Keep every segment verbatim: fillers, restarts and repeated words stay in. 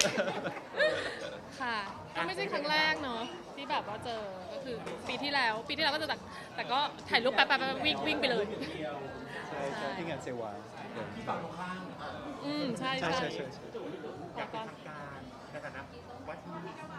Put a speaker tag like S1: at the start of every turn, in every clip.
S1: ค่ะก็ไม่ใช่ครั้งแรกเนาะที่แบบว่าเจอก็คือปีที่แล้วปีที่แล้วก็เจอแต่แต่ก็ถ่ายรูปแป๊บๆวิ่งวิ่งไปเลย
S2: ใช่ใช่ที่งานเซวา
S3: ที่ฝั่งตรงข้าม
S1: อืมใช่
S2: ใช่
S1: ใช่
S2: ใช่ใช่
S3: อยากเป็นทางการในฐานะวัดที่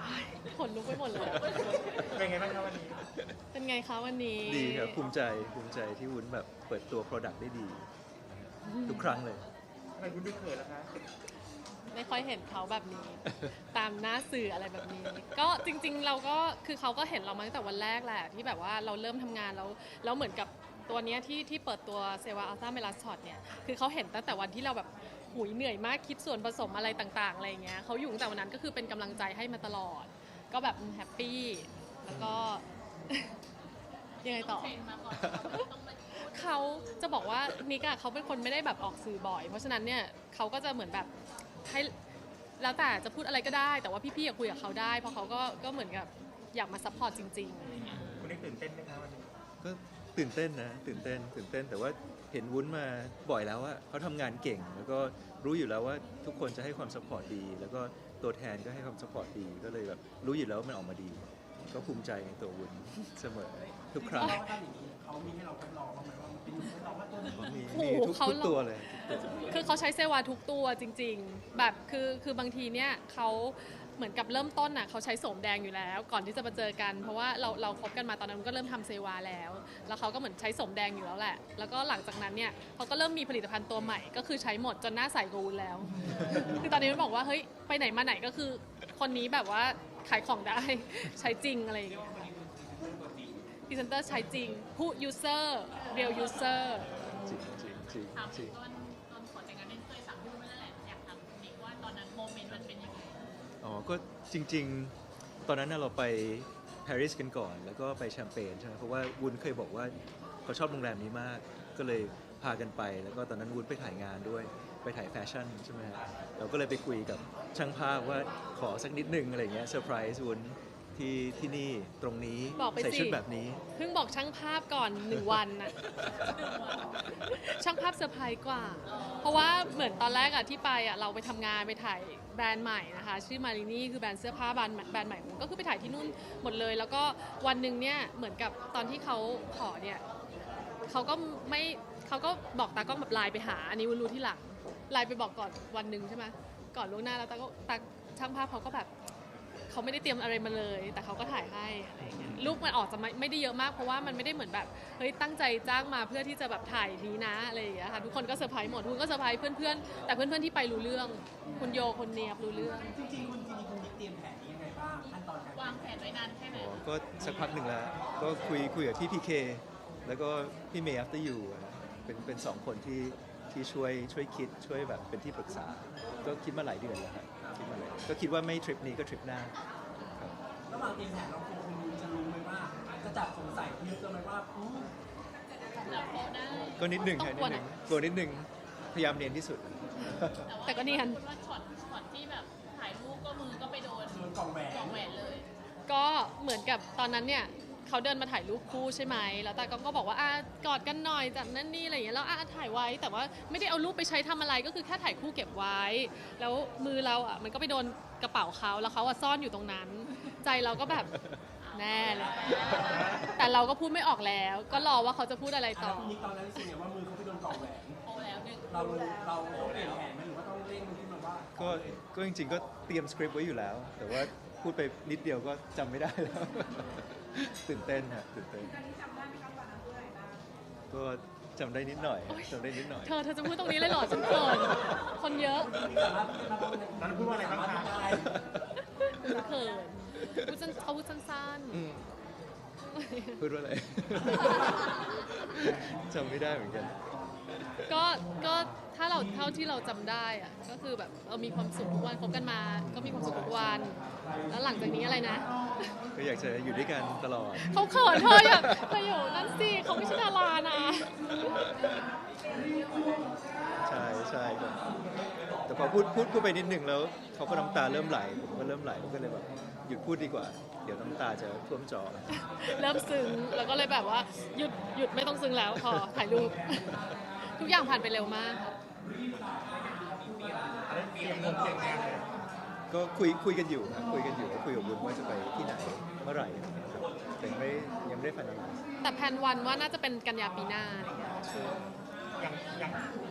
S1: ขนลุกไปหมดเลย
S3: เป็นไงบ้างครับวันนี้
S1: เป็นไงคะวันนี้
S2: ดีครับภูมิใจภูมิใจที่วุ้นแบบเปิดตัว Product ได้ดีทุกครั้งเลย
S3: ทำไมคุณดูเขินล่ะคะ
S1: ไม่ค่อยเห็นเขาแบบนี้ ตามหน้าสื่ออะไรแบบนี้ ก็จริงๆเราก็คือเขาก็เห็นเรามาตั้งแต่วันแรกแหละที่แบบว่าเราเริ่มทำงานแล้วแล้วเหมือนกับตัวเนี้ยที่ที่เปิดตัวเซวาอัลต้าเมลาช็อตเนี่ยคือเขาเห็นตั้งแต่วันที่เราแบบหุยเหนื่อยมากคิดส่วนผสมอะไรต่างๆอะไรอย่างเงี้ยเขาอยู่ตั้งแต่วันนั้นก็คือเป็นกำลังใจให้มาตลอด ก็แบบแฮปปี้แล้วก็ ยังไงต่อ เขาจะบอกว่านิกอะเขาเป็นคนไม่ได้แบบออกสื่อบ่อย เพราะฉะนั้นเนี่ยเขาก็จะเหมือนแบบให้แล้วแต่จะพูดอะไรก็ได้ แต่ว่าพี่ๆอยากคุยกับเขาได้ เพราะเขาก็ก็เหมือนกับอยากมาซัพพอร์ตจริงๆอะไรเงี้ย
S3: คุณได้ตื่นเต้นไหมคะวันนี้
S2: ก็ตื่นเต้นนะตื่นเต้นตื่นเต้นแต่ว่าเห็นวุ้นมาบ่อยแล้วว่าเขาทำงานเก่ง แล้วก็รู้อยู่แล้วว่าทุกคนจะให้ความสปอร์ตดี แล้วก็ตัวแทนก็ให้ความสปอร์ตดีก็เลยแบบรู้อยู่แล้วว่ามันออกมาดี ก็ภูมิใจในตัววุ้นเสมอทุกครั้ง
S3: เขามีให้เราทดลองบ้างไหมว่ามันเป็นทดลองว่าตัวนี้
S2: มี
S1: โอ้
S2: มี
S1: โห
S2: ทุก
S1: เขา
S2: ทุกตัวเลยทุกตัว
S1: คือเขาใช้เซวาทุกตัวจริงๆ แบบคือคือบางทีเนี่ยเขาเหมือนกับเริ่มต้นน่ะเขาใช้โสมแดงอยู่แล้ว ก่อนที่จะมาเจอกัน เพราะว่าเราเราคบกันมาตอนนั้นก็เริ่มทำเซวาแล้ว แล้วเขาก็เหมือนใช้โสมแดงอยู่แล้วแหละ แล้วก็หลังจากนั้นเนี่ยเขาก็เริ่มมีผลิตภัณฑ์ตัวใหม่ ก็คือใช้หมดจนหน้าใสกว่าวุ้นแล้ว คือตอนนี้มันบอกว่าเฮ้ยไปไหนมาไหนก็คือคนนี้แบบว่าขายของได้ ใช้จริงอะไรอย่างเงี้ยพรีเซนเตอร์ใช้จริงผู้ user real user
S2: จริงจริงจริง
S4: ถาม
S2: จริง
S4: ตอนตอนขอแต่งงานเนี่ยเคยสั่งพี่ไม่นั่นแหละอยากถามนิกว่าตอนนั้นโมเมนต์มันเป็นยังไง
S2: อ๋อ ก็จริงๆ ตอนนั้นน่ะเราไปปารีสกันก่อน แล้วก็ไปแชมเปญใช่ไหมเพราะว่าวุ้นเคยบอกว่าเขาชอบโรงแรมนี้มาก ก็เลยพากันไป แล้วก็ตอนนั้นวุ้นไปถ่ายงานด้วย ไปถ่ายแฟชั่นใช่ไหมฮะเราก็เลยไปคุยกับช่างภาพว่าขอสักนิดนึงอะไรเงี้ยเซอร์ไพรส์วุ้นที่ที่นี่ตรงนี้
S1: บอกไป
S2: ใส่
S1: สิ
S2: ชุดแบบนี้
S1: เพิ่งบอกช่างภาพก่อนหนึ่งวันน่ะ ช่างภาพเซอร์ไพรส์กว่า เพราะว่าเหมือนตอนแรกอะที่ไปอะเราไปทำงานไปถ่ายแบรนด์ใหม่นะคะชื่อมารินี่คือแบรนด์เสื้อผ้าแบรนด์แบรนด์ใหม่ของก็คือไปถ่ายที่นู่นหมดเลย แล้วก็วันหนึ่งเนี่ยเหมือนกับตอนที่เขาขอเนี่ยเขาก็ไม่เขาก็บอกตากล้องแบบไลน์ไปหาอันนี้วุ้นรู้ที่หลังไลน์ไปบอกก่อนวันหนึ่งใช่ไหมก่อนล่วงหน้าแล้วตาก็ตาช่างภาพเขาก็แบบเขาไม่ได้เตรียมอะไรมาเลย แต่เขาก็ถ่ายให้อะไรอย่างเงี้ยรูปมันออกจะไม่ไม่ได้เยอะมากเพราะว่ามันไม่ได้เหมือนแบบเฮ้ยตั้งใจจ้างมาเพื่อที่จะแบบถ่ายนี้นะอะไรอย่างเงี้ยค่ะทุกคนก็เซอร์ไพรส์หมดคุณก็เซอร์ไพรส์เพื่อนๆแต่เพื่อนๆที่ไปรู้เรื่องคุณโยคนเนียบรู้เรื่อง
S3: จริงๆคุณจริงๆคุณเตรียมแผนนี้ยังไงบ้างขั้นตอนการ
S4: วางแผนไว้นานแค่ไหน
S2: อ๋อ ก็สักพักหนึ่งแล้ว ก็คุยคุยกับพี่พีเคแล้วก็พี่เมย์ after you อะนะเป็นเป็นสองคนที่ที่ช่วยช่วยคิดช่วยแบบเป็นที่ปรึกษา ก็คิดมาหลายเดือนแล้วครับคิดมาหลายก็คิดว่าไม่ทริปนี้ก็ทริปหน้าครับ
S3: ระหว่างเตรียมแผนเราคงคุณจะรู้ไหมว่าจะจับสงสัยเยอะเกินไหมว่าอู้
S4: แล้วโพสได้
S2: ก็นิดหนึ่ง
S1: ต้อง
S2: ค่ะนิ
S1: กลัว
S2: ดหนึ่ง
S1: นะ
S2: กลัวนิดหนึ่งพยายามเนียนที่สุด
S1: แต่ก็เนียน
S4: คุณว่าช็อตช็อตที่แบบถ่ายรูปก็มือก็ไปโดน
S3: โดนกล่องแหวน
S4: กล่องแหวนเลย
S1: ก็เหมือนกับตอนนั้นเนี่ยเขาเดินมาถ่ายรูปคู่ใช่ไหมแล้วตากล้องก็บอกว่าอ่ะกอดกันหน่อยจากนั่นนี่อะไรอย่างเงี้ยแล้วอ่ะถ่ายไว้แต่ว่าไม่ได้เอารูปไปใช้ทำอะไรก็คือแค่ถ่ายคู่เก็บไว้ แล้วมือเราอ่ะมันก็ไปโดนกระเป๋าเขาแล้วเขาอ่ะซ่อนอยู่ตรงนั้น ใจเราก็แบบแน่เลยแต่เราก็พูดไม่ออกแล้ว ก็รอว่าเขาจะพูดอะไร
S3: แล้
S1: ต่
S3: ว
S1: อ
S3: คุณนิกตอนนั้นรู้สึกไงว่ามือเขาไปโดนกล่องแหวน
S4: โอ้แล้วหนึ่ง
S3: เราเราต้องเปลี่ยนแผนไหมหรือว่าต้องเร่งขึ้นมาว่า
S2: ก็ก็จริงๆก็เตรียมสคริปต์ไว้อยู่แล้ว แต่ว่าพูดไปนิดเดียวก็จำไม่ได้แล้ว ตื่นเต้นฮะตื่นเต้นก็จำได้นิดหน่อยจำได้นิดหน่อย
S1: เธอเธอจะพูดตรงนี้เลยเหรอฉันเขินคนเยอะ
S3: ตอนนั้นพูดว่าอะไรบ้างคะ
S1: ฉันเขินพูดสั้นเขาพูดสั้น
S2: อืม
S1: ๆ
S2: พูดว่าอะไร จำไม่ได้เหมือนกัน
S1: ก็ก็ถ้าเราเท่าที่เราจำได้อะก็คือแบบเรามีความสุขทุกวันคบกันมา ก็มีความสุขทุกวัน แล้วหลังจากนี้อะไรนะ
S2: ก็อยากจะอยู่ด้วยกันตลอด
S1: เขาเขินเธออย่าเธออยู่นั่นสิเขาไม่ใช่ดารานะ
S2: ใช่ใช่ครับแต่พอพูดพูดพูดไปนิดนึงแล้วเขาก็น้ำตาเริ่มไหลผมก็เริ่มไหลผมก็เลยแบบหยุดพูดดีกว่า เดี๋ยวน้ำตาจะท่วมจอ
S1: เริ่มซึ้งแล้วก็เลยแบบว่าหยุดหยุดไม่ต้องซึ้งแล้วพอถ่ายรูป ทุกอย่างผ่านไปเร็วมากค่ะ
S3: เตรียมงงเตรียมงานเลย
S2: คก็คุยคุยกันอยู่นะคุยกันอยู่คุยกับวุ้นว่าจะไปที่ไหนเมื่อไหร่อะไรเงี้ยครับแต่ยังไม่ยังไม่ได้ฟันอะไร
S1: แต่แพลนวันว่าน่าจะเป็นกันยาปีหน้าอะไรเงี้ยช่วง
S5: อย่างอย่าง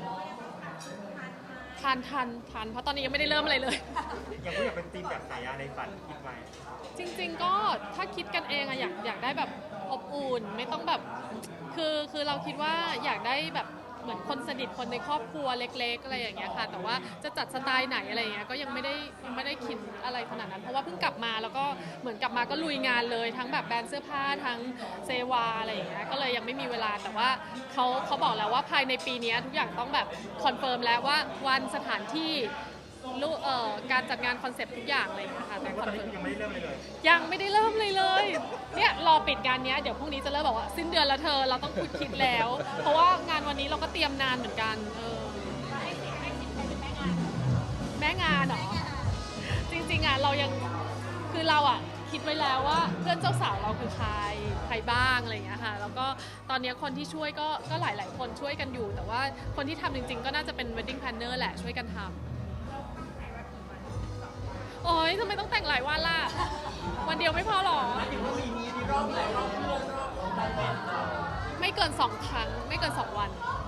S1: ทันทันทันเพราะตอนนี้ยังไม่ได้เริ่มอะไรเลย
S5: อย่างผู้อยากเป็นทีมแบบไหนอะในฝันคิดไว้
S1: จริงๆก็ถ้าคิดกันเองอะอยากอยากได้แบบอบอุ่นไม่ต้องแบบคือคือเราคิดว่าอยากได้แบบเหมือนคนสนิทคนในครอบครัวเล็กๆอะไรอย่างเงี้ยค่ะแต่ว่าจะจัดสไตล์ไหนอะไรอย่างเงี้ยก็ยังไม่ได้ยังไม่ได้คิดอะไรขนาดนั้นเพราะว่าเพิ่งกลับมาแล้วก็เหมือนกลับมาก็ลุยงานเลยทั้งแบบแบรนด์เสื้อผ้าทั้งเซวาอะไรอย่างเงี้ยก็เลยยังไม่มีเวลาแต่ว่าเขาเขาบอกแล้วว่าภายในปีนี้ทุกอย่างต้องแบบคอนเฟิร์มแล้วว่าวันสถานที่รูเอ่อการจัดงานคอนเซปต์ทุกอย่างอะไรอย่างเงี้ยค่ะแต่
S5: ว่า
S1: ค
S5: ต
S1: อ
S5: อน น
S1: เฟิ
S5: นี้
S1: ร์ม
S5: ยังไม่ได้เริ่มเลยเลย
S1: ยังไม่ได้เริ่มเลยเลย เนี่ยรอปิดงานเนี้ยเดี๋ยวพรุ่งนี้จะเริ่มบอกว่าสิ้นเดือนแล้วเธอเราต้องคุยคิดแล้ว เพราะว่างานวันนี้เราก็เตรียมนานเหมือนกันเออแม่งานเหรอ จริงๆอ่ะเรายังคือเราอ่ะคิดไว้แล้วว่าเพื่อนเจ้าสาวเราคือใครใครบ้างอะไรอย่างเงี้ยค่ะแล้วก็ตอนเนี้ยคนที่ช่วยก็ก็หลาย ๆ คนช่วยกันอยู่ แต่ว่าคนที่ทำจริง ๆ ก็น่าจะเป็น wedding planner แหละช่วยกันทำโอ๊ยทำไมต้องแต่งหลายวันล่ะ วันเดียวไม่พอหรอ
S3: ถึงว่าปีนี้มีรอบหลายรอบเพื่อนรอบของแฟน
S1: ไม่เกินสองครั้ง ไม่เกินสองวัน
S3: ๆ